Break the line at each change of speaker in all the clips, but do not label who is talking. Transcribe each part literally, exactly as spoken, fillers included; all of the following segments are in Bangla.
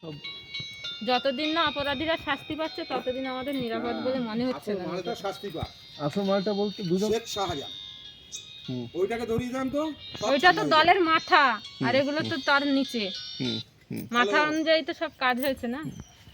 যতদিন না অপরাধীরা শাস্তি পাচ্ছে ততদিন আমাদের নিরাপদ বলে মনে হচ্ছে না।
মালটা শাস্তি পায়।
আসল মালটা বলতে দুজন
শেখ শাহজাহান ওইটাকে ধরিয়ে দেন তো।
ওইটা তো দলের মাথা, আর এগুলো তো তার নিচে মাথা অনুযায়ী তো সব কাজ হয়েছে না।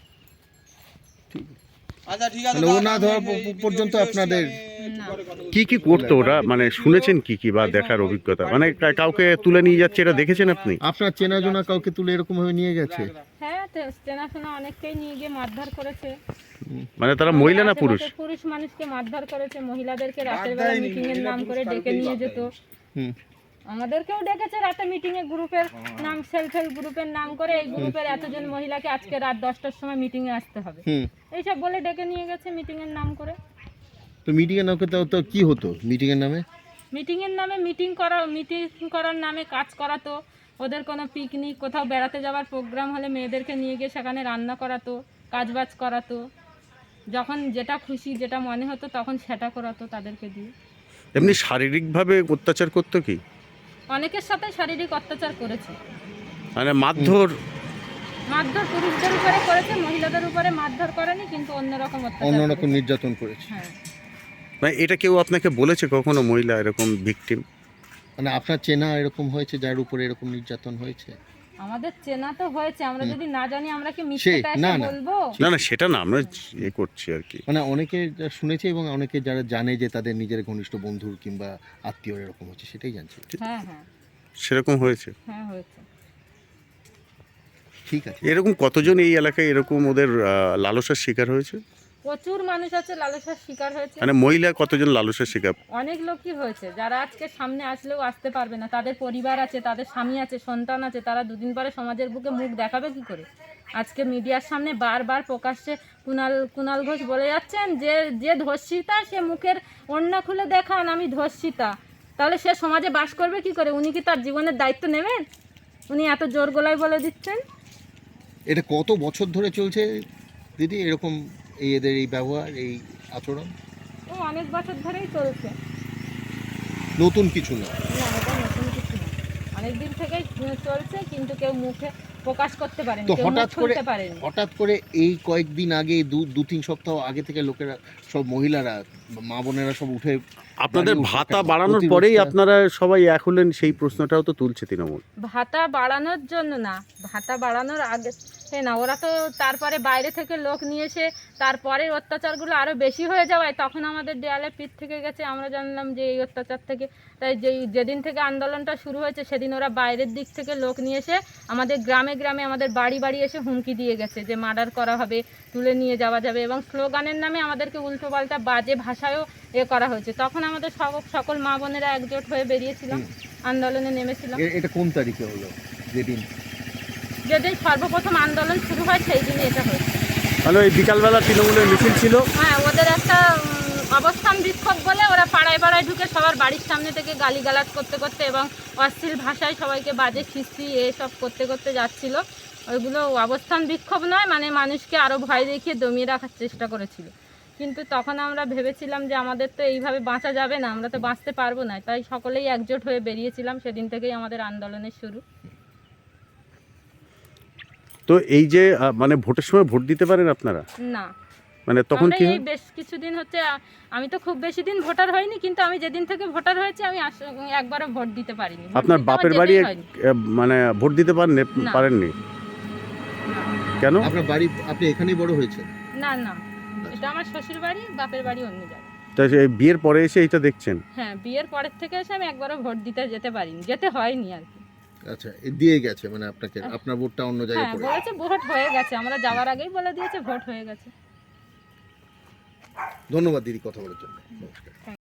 আচ্ছা ঠিক আছে,
মানে ও না ধরা পর্যন্ত আপনাদের
কি কি করতো ওরা, মানে শুনেছেন কি কি বা দেখার অভিজ্ঞতা, মানে কা- কাউকে তুলে নিয়ে যাচ্ছে এটা দেখেছেন আপনি?
আপনার চেনা জনা কাউকে তুলে এরকম ভাবে নিয়ে গেছে?
হ্যাঁ, তে- চেনাশোনা অনেককেই নিয়ে গিয়ে মারধর করেছে।
মানে তারা মহিলা না পুরুষ?
আশেপাশে পুরুষ মানুষকে মারধর করেছে, মহিলাদেরকে রাতের বেলা মিটিং এর নাম করে ডেকে নিয়ে যেত।
হুম।
আমাদেরকেও ডেকেছে রাতে মিটিং এ, গ্রুপের নাম, সেলফ হেল্প গ্রুপের নাম করে এই গ্রুপের এতজন মহিলাকে আজকে রাত দশটার সময় মিটিং এ আসতে হবে,
হুম।
এইসব বলে ডেকে নিয়ে গেছে মিটিং এর নাম করে।
তো মিটিং এর নামে তো কি হতো মিটিং এর নামে?
মিটিং এর নামে মিটিং করা, মিটিং করার নামে কাজ করাতো। ওদের কোনো পিকনিক, কোথাও বেড়াতে যাওয়ার প্রোগ্রাম হলে মেয়েদেরকে নিয়ে গিয়ে সেখানে রান্না করাতো, কাজবাজ করাতো। যখন যেটা খুশি, যেটা মনে হতো তখন সেটা করাতো তাদেরকে দিয়ে।
এমনি শারীরিকভাবে অত্যাচার করতো কি?
অনেকের সাথে শারীরিক অত্যাচার করেছে,
মানে মারধর?
মারধর পুরুষদের উপরে করেছে, মহিলাদের উপরে মারধর করেনি, কিন্তু অন্যরকম অত্যাচার
অন্যরকম
করেছে।
নির্যাতন করেছে।
হ্যাঁ,
মানে এটা কেউ আপনাকে বলেছে কখনো মহিলা এরকম ভিকটিম?
মানে আপনার চেনা এরকম হয়েছে যার উপরে এরকম নির্যাতন হয়েছে?
আমাদের চেনা তো হয়েছে, আমরা যদি না জানি আমরা কি
সে
মিথ্যেটা
না
এসে
না
বলবো?
না না, সেটা না, আমরা এ করছি আর কি।
মানে অনেকে যা শুনেছে এবং অনেকে যারা জানে যে তাদের নিজের ঘনিষ্ঠ বন্ধুর কিংবা আত্মীয় এরকম হচ্ছে, সেটাই জানছে।
হ্যাঁ হ্যাঁ
সেরকম হয়েছে?
হ্যাঁ হয়েছে।
ঠিক আছে।
এরকম কতজন এই এলাকায় এরকম ওদের আহ, লালসার শিকার হয়েছে?
প্রচুর মানুষ আছে লালসার শিকার হয়েছে,
মানে মহিলা কতজন লালসার শিকার?
অনেক লোকই হয়েছে, যারা আজকে সামনে আসলেও আসতে পারবে না। তাদের পরিবার আছে, তাদের স্বামী আছে, সন্তান আছে, তারা দুদিন পরে সমাজের বুকে মুখ দেখাবে কি করে? আজকে মিডিয়ার সামনে বারবার প্রকাশ্যে কুণাল কুণাল ঘোষ বলে যাচ্ছেন যে যে ধর্ষিতা সে মুখের ওড়না খুলে দেখান আমি ধর্ষিতা, তাহলে সে সমাজে বাস করবে কি করে? উনি কি তার জীবনের দায়িত্ব নেবেন? উনি এত জোর গলায় বলে দিচ্ছেন।
এটা কত বছর ধরে চলছে দিদি এরকম এই এদের এই ব্যবহার, এই আচরণ?
ও অনেক বছর ধরেই চলছে।
নতুন কিছু না।
না, এটা নতুন কিছু না, অনেক দিন থেকেই চলছে, কিন্তু কেউ মুখে প্রকাশ করতে পারেনি,
তো
কেউ মুখ
হঠাৎ করে
খুলতে পারেনি।
হঠাৎ করে এই কয়েকদিন আগে দু দু তিন সপ্তাহ আগে থেকে লোকেরা সব মহিলারা মা বোনেরা সব উঠে
আপনাদের
দাঁড়িয়ে
ভাতা
উঠে
বাড়ানোর
প্রতিরোধ
পরেই
করা-
আপনারা সবাই এক হলেন, সেই প্রশ্নটাও তো তুলছে তৃণমূল।
ভাতা বাড়ানোর জন্য না, ভাতা বাড়ানোর আগে সে না, ওরা তো তারপরে বাইরে থেকে লোক নিয়ে এসে তারপরে অত্যাচারগুলো আরও বেশি হয়ে যাওয়ায় তখন আমাদের দেয়ালে পিঠ থেকে গেছে। আমরা জানলাম যে এই অত্যাচার থেকে, তাই যেই যেদিন থেকে আন্দোলনটা শুরু হয়েছে সেদিন ওরা বাইরের দিক থেকে লোক নিয়ে এসে আমাদের গ্রামে গ্রামে, আমাদের বাড়ি বাড়ি এসে হুমকি দিয়ে গেছে যে মার্ডার করা হবে, তুলে নিয়ে যাওয়া যাবে, এবং স্লোগানের নামে আমাদেরকে উল্টোপাল্টা বাজে ভাষায়ও এ করা হয়েছে। তখন আমাদের সব- সকল মা বোনেরা একজোট হয়ে বেরিয়েছিলাম, আন্দোলনে নেমেছিলাম।
এ- এটা কোন তারিখে হলো যেদিন?
যেদিন সর্বপ্রথম আন্দোলন শুরু হয় সেই দিনই এটা হয়েছে।
মানে ওই বিকালবেলা তৃণমূলের মিছিল ছিল?
হ্যাঁ, ওদের একটা উম, অবস্থান বিক্ষোভ বলে ওরা পাড়ায় পাড়ায় ঢুকে সবার বাড়ির সামনে থেকে গালিগালাজ করতে করতে এবং অশ্লীল ভাষায় সবাইকে বাজে খিস্তি এসব করতে করতে যাচ্ছিল। ওইগুলো অবস্থান বিক্ষোভ নয়, মানে মানুষকে আরও ভয় দেখিয়ে দমিয়ে রাখার চেষ্টা করেছিল। কিন্তু তখন আমরা ভেবেছিলাম যে আমাদের তো এইভাবে বাঁচা যাবে না, আমরা তো বাঁচতে পারবো না, তাই সকলেই একজোট হয়ে বেরিয়েছিলাম। সেদিন থেকেই আমাদের আন্দোলনের শুরু।
তো এই যে আহ, মানে ভোটের সময় ভোট দিতে পারেন আপনারা?
না,
মানে তখন
আমরা
কি
এই
হয়?
বেশ কিছুদিন হচ্ছে, আ- আমি তো খুব বেশি দিন ভোটার হয়নি, কিন্তু আমি যেদিন থেকে ভোটার হয়েছি আমি আস- একবারও ভোট দিতে পারিনি। ভোট
আপনার
দিতে আমার
বাপের বাড়ি
যেতেই হয়নি।
আহ, মানে ভোট দিতে পারেন
না।
পারেননি
না।
কেন?
আপনার বাড়ি, আপনি এখানেই বড় হয়েছেন?
না না, এটা আমার শ্বশুর বাড়ি, বাপের বাড়ি অন্য জায়গায়।
তা সে বিয়ের পরে এসে এটা দেখছেন?
হ্যাঁ, বিয়ের পরের থেকে এসে আমি একবারও ভোট দিতে যেতে পারিনি, যেতে হয়নি আর কি।
আচ্ছা, এ দিয়ে গেছে মানে আপনাকে, আপনার ভোটটা অন্য জায়গায়
হ্যাঁ,
পড়ে
বলেছে ভোট হয়ে গেছে, আমরা যাওয়ার আগেই বলে দিয়েছে ভোট হয়ে গেছে।
ধন্যবাদ দিদি কথা বলার জন্য। নমস্কার।